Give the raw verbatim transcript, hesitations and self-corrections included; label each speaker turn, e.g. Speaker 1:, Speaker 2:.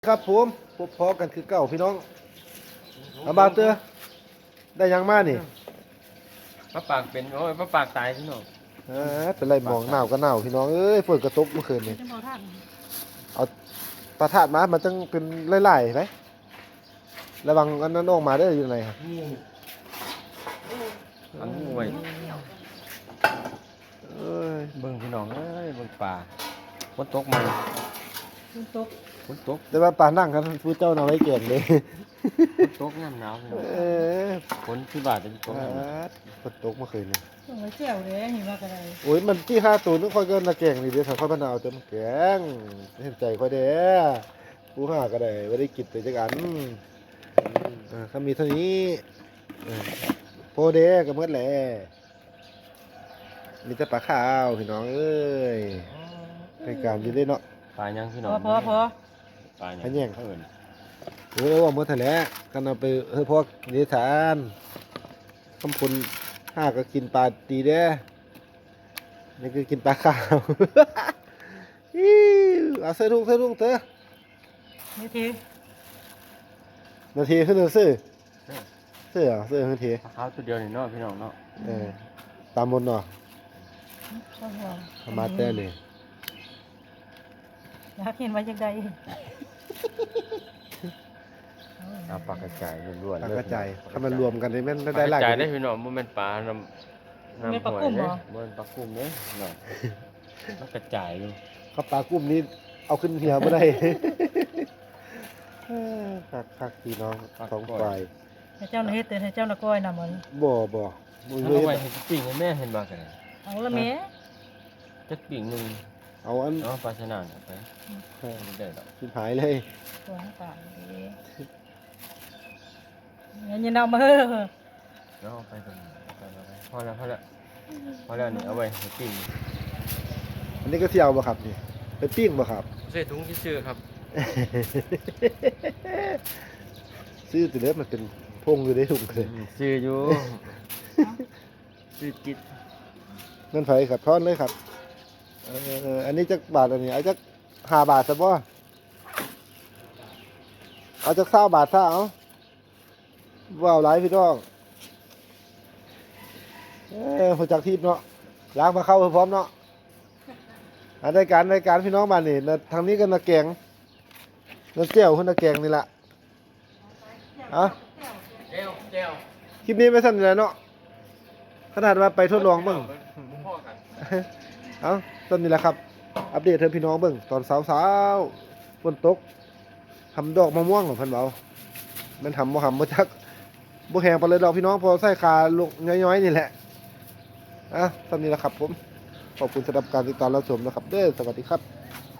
Speaker 1: ครับผมพบพอกันคือเก่าพี่น้องอาบาเตอร์ได้ยังมานี่
Speaker 2: ปลาปากเป็นโอ้ยปลาปากตายพี่น้อง
Speaker 1: อ่าเป็นไรหมองหนาวก็หนาวพี่น้องเอ้ยฝนกระตกเมื่อคืนนี่เอาปลาถาดมามันต้องเป็นไล่ๆไหมระวังอันนั้นออกมาได้อยู่ไหนครับ
Speaker 2: อันงูไว้
Speaker 1: เอ้ย
Speaker 2: เบิ่งพี่น้องเอ้ยเบิ่งปลาฝนตกมันฝนตกฝนตก
Speaker 1: แต่ว่าปลานั่งกันผู้เจ้าเอาไว้เก่งเลย
Speaker 2: ฝนตกน้ำหนาวพี่น้อง
Speaker 1: เออ
Speaker 2: ฝนที่บาดจะตก
Speaker 1: อ่าฝนตกเมื่อคืนนี่
Speaker 3: ต้องไว้เจียวเลยเห็นว่ากันเลย
Speaker 1: โอ้ยมันที่ห้าตัวนึกค่อยก็นาแกงนี่เดี๋ยวถ้าค่อยมานาวเต็มแกงเห็นใจค่อยเด้อผู้ห้าก็ได้ไม่ได้กินไปจักอันอ่าถ้ามีเท่านี้เออโพเด้ก็หมดแหละมีแต่ปลาขาวพี่น้องเอ้ยในการอยู่ได้เนาะ
Speaker 2: ปลายังพี่
Speaker 3: พ
Speaker 2: น้อง
Speaker 3: อพอพอ
Speaker 2: ปลายั
Speaker 1: อันแย่ง
Speaker 2: เอิ้น
Speaker 1: โอ้ยว่าหมดแท้แล้วกันเอาไปเฮ้ยพวกนิทานคำพูนห้าก็กินปลาตีเด้อนี่คือกินปลาขาว อิ๊วเอาเสื้อทุ่งเสื้อทุ่งเถอะ
Speaker 3: นี่ที
Speaker 1: นาทีขึ้นซื้อเสื้อเสื้อนาที
Speaker 2: ปลาขาวตัวเดียวนี่เนาะพี่น้องเนาะ
Speaker 1: เออตามบนเนาะ
Speaker 3: ข้าวหัว
Speaker 1: เอามาแต่เลย
Speaker 3: อยากเห็นว่าจังใด
Speaker 2: เอาปลากระจายล้วนๆ
Speaker 1: ปลา
Speaker 2: เลย
Speaker 1: กระจายถ้ามันรวมกันนี่มัน
Speaker 2: ปลา
Speaker 1: ได้
Speaker 2: ก
Speaker 1: หลา
Speaker 2: ระ
Speaker 1: ย
Speaker 2: จาย
Speaker 1: ก
Speaker 2: ได้
Speaker 1: ว่านี้
Speaker 2: พี่น้องบ่แม่นปลาน้ำน้ำหอยเด้บ่แม่นปลากุ้มเด้เนาะมันกระจายอยู่
Speaker 1: ข้าวปลากุ้มนี้เอาขึ้นเหี่ยวไม่ได้ คักคักพี่น้องสองฝ่าย
Speaker 3: ให้เจ้าหน้าเฮ็ดแต่ให้เจ้าหน้าก้อยนำมัน
Speaker 1: บ่บ่บ่
Speaker 2: เอา
Speaker 1: เลย
Speaker 2: ไว้ให้ปิ้งให้แม่เห็นบ่กัน
Speaker 3: เอาละแม่
Speaker 2: จักปิ้งหนึง
Speaker 1: เอาอัน
Speaker 2: เอาปลาชะนานเอาไปไม่ได้ดอก
Speaker 1: ชิบหายเลย
Speaker 3: ตัวน้ำตาลดีงั้นอยันเอามาเฮ้อ
Speaker 2: แล้วเอาไปตรงนี้เอาไปเอาไปพอแล้วพอแล้วพอแล้วนี่เอาไว้ให้ปิ้ง
Speaker 1: อันนี้ก็เที่ยวบ่ครับนี่ไปปิ้งบ่ครับ
Speaker 2: ใส่ถุงที่ซื้อครับ
Speaker 1: ซื้อตัวเล็กมันเป็นพงอยู่ในถุงเลย
Speaker 2: ซื้ออยู่ซื้อจิต
Speaker 1: เงินไผครับทอนเลยครับเออเอออันนี้จักบาทอันนี้เอาจักห้าบาทซะบ่เอาจักเศร้าบาทซะเอาว้าวหลายพี่น้องเอ้หัวจักทีบเนาะล้างมาเข้าพร้อมเนาะอันรายการรายการพี่น้องมานี่นะทางนี้ก็นาแกงนาแก้วคนนาแกงนี่แหละอ่ะ
Speaker 2: เจ้าเจ้า
Speaker 1: คลิปนี้ไม่สั้นเลยเนาะขนาดว่าไปทดลองเบิ่ง
Speaker 2: พ่อกัน
Speaker 1: เอาต้นนี้แหละครับ อัปเดตให้พี่น้องเบิ่งตอนเช้าๆฝนตกทำดอกมะม่วงของเพันเบามันทำบ่ทำบ่จักบ่แห้งไปเลยดอกพี่น้องพอใส่คาลูกย้อยๆนี่แหละอ่ะต้นนี้แหละครับผมขอบคุณสำหรับการติดตามรับชมนะครับเด้อสวัสดีครับ